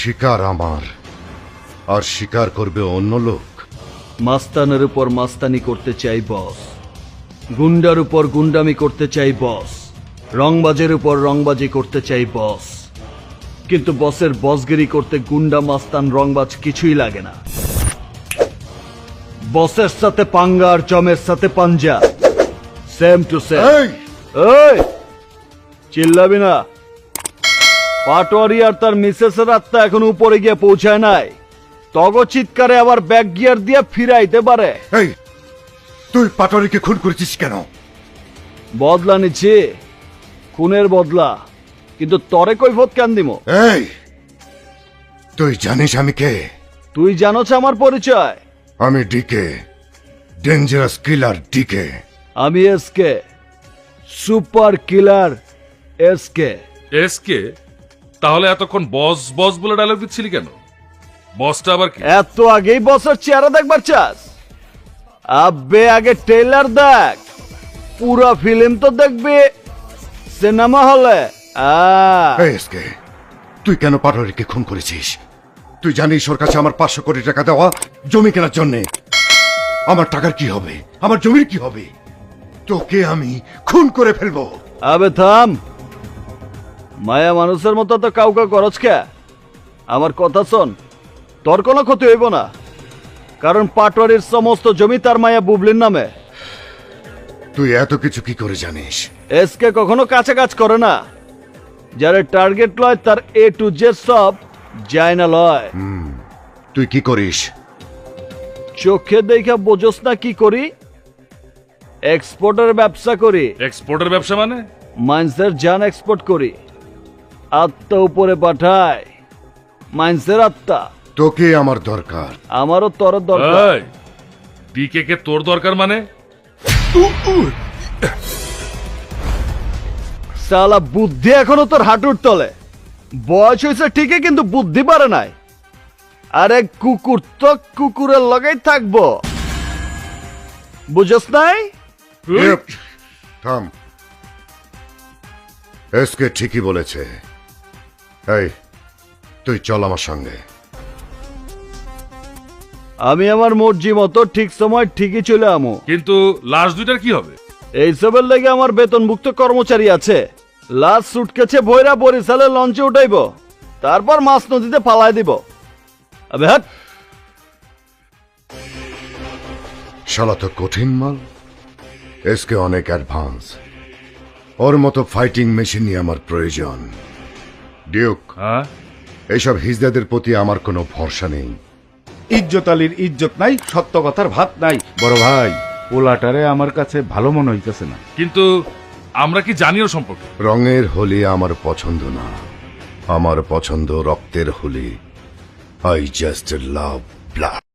শিকার আমার, আর শিকার করবে অন্য লোক। মাস্তানের উপর মাস্তানি করতে চাই বস, গুন্ডার উপর গুন্ডামি করতে চাই বস, রংবাজের উপর রংবাজি করতে চাই বস। কিন্তু বসের বসগিরি করতে গুন্ডা মাস্তান রংবাজ কিছুই লাগে না। বসের সাথে পাঙ্গা আর জমের সাথে পাঞ্জা, সেম টু সেম। এই চিল্লাবি না। পাটোয়ারি আর তার মিসেসের আত্মা এখন উপরে গিয়ে পৌঁছায় নাই। তগ চিৎকারে আবার ব্যাক গিয়ার দিয়ে ফিরাইতে পারে। এই তুই পাটোয়ারিকে খুন করেছিস কেন? বদলা নিচ্ছি, খুনের বদলা। কিন্তু তরে কৈফত কেন দিমো? এই তুই জানিস আমি কে? তুই জানোছ আমার পরিচয়? আমি ডিকে, ডেঞ্জারাস কিলার ডিকে। আমি SK, super killer SK. SK? তাহলে এতক্ষণ বস বস বলে ডায়লগ দিচ্ছিলি কেন? বসটা আবার কি? এত আগেই বসের চেহারা দেখবার চাস? আব্বে আগে ট্রেলার দেখ, পুরো ফিল্ম তো দেখবি সিনেমা হলে। এই এসকে, তুই কেন পাটোয়ারিকে খুন করেছিস? তুই জানিস ওর কাছে আমার 500 কোটি টাকা দেওয়া জমি কেনার জন্যে। আমার টাকার কি হবে? আমার জমির কি হবে? তোকে আমি খুন করে ফেলবো। আবে থাম, মায়া মানুষের মতো তো কাউকে করছ কে? আমার কথা শোন, তোর কোনো ক্ষতি হইব না, কারণ পাটোয়ারির সমস্ত জমি তার মায়া বুবলির নামে। তুই এত কিছু কি করে জানিস? এসকে কখনো কাছে কাজ করে না। যারা টার্গেট লয় তার এ টু জেড সব যায় না লয়। তুই কি করিস? চোখে দেখা বোঝস না কি করি? এক্সপোর্টের ব্যবসা করি। এক্সপোর্টের ব্যবসা মানে? মাইন্সের জান এক্সপোর্ট করি, আত্মা উপরে পাঠায়। মাইন্সের আত্মা। তোকে আমার দরকার। আমারও তোর দরকার। ডিকে কে তোর দরকার মানে? সালা বুদ্ধি এখনো তোর হাঁটুর তলে। বয়স হয়েছে ঠিকই, কিন্তু বুদ্ধি পারে নাই। আরে কুকুর তো কুকুরের লগেই থাকবো, বুঝস নাই? থাম, এসকে ঠিকই বলেছে। এই তুই চল আমার সঙ্গে। আমি আমার মর্জি মতো ঠিক সময় ঠিকই চলে আমো। কিন্তু লাশ দুইটার কি হবে? এইসবের লেগে আমার বেতনভুক্ত কর্মচারী আছে। লাশ সুটকেছে ভৈরা বরিশালে লঞ্চে উঠাইব, তারপর মাছ নদীতে পালাই দিব। আবে হাট। শালা তো কঠিন মাল। এসকে অনেক অ্যাডভান্স। ওর মতো ফাইটিং মেশিনই আমার প্রয়োজন। ডিউক, হ্যাঁ? এইসব হিজদাদের প্রতি আমার কোনো ভরসা নেই। ইজ্জত আলীর ইজ্জত নাই, সত্য কথার ভাত নাই। বড় ভাই, পোলাটারে আমার কাছে ভালো মনে হইতেছে না। কিন্তু আমরা কি জানি ওর সম্পর্কে? রঙের হোলি আমার পছন্দ না, আমার পছন্দ রক্তের Holi. I just love blood.